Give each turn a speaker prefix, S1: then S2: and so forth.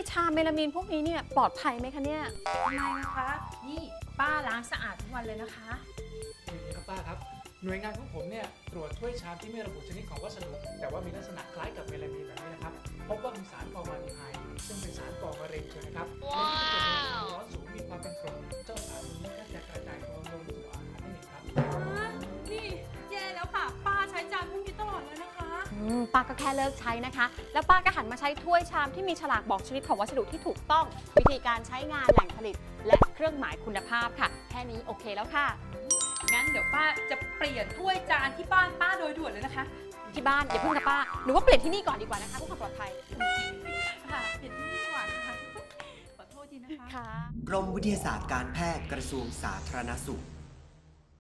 S1: ชามเมลามีนพวกนี้เนี่ยปลอดภัยไหมคะเนี่ย
S2: ทำไมนะคะ นี่ป้าล้างสะอาดทุกวันเลยนะคะ
S3: อย่างนี้ครับป้าครับหน่วยงานของผมเนี่ยตรวจถ้วยชามที่ไม่ระบุชนิดของวัสดุแต่ว่ามีลักษณะคล้ายกับเมลามีนแบบนี้นะครับพบว่ามีสารฟอร์มาลดีไฮด์ซึ่งเป็นสารก่อมะเร็งเช่นะครับและที่เกิดจากความร้อนสูงมีความเป็นกรดเจ้าสารตัวนี้ก็จะกระจายตัวลงสู่อาหารนั่นเองครับ
S2: นี่แย่แล้วค่ะ ป้าใช้จานพวกนี้ตลอดเลยนะคะ
S1: ป้าก็แค่เลิกใช้นะคะ แล้วป้าก็หันมาใช้ถ้วยชามที่มีฉลากบอกชนิดของวัสดุที่ถูกต้อง วิธีการใช้งานแหล่งผลิต และเครื่องหมายคุณภาพค่ะ แค่นี้โอเคแล้วค่ะ
S2: งั้นเดี๋ยวป้าจะเปลี่ยนถ้วยจานที่บ้านป้าโดยด่วนเลยนะคะ
S1: ที่บ้านอย่าเพิ่งนะป้าหนูว่าเปลี่ยนที่นี่ก่อนดีกว่านะคะเพื่อความปลอดภัย
S2: ค่ะ เปลี่ยนที่นี่ดีกว่าค่ะขอโทษทีนะคะ
S1: ค่ะ
S4: กรมวิทยาศาสตร์การแพทย์กระทรวงสาธารณสุข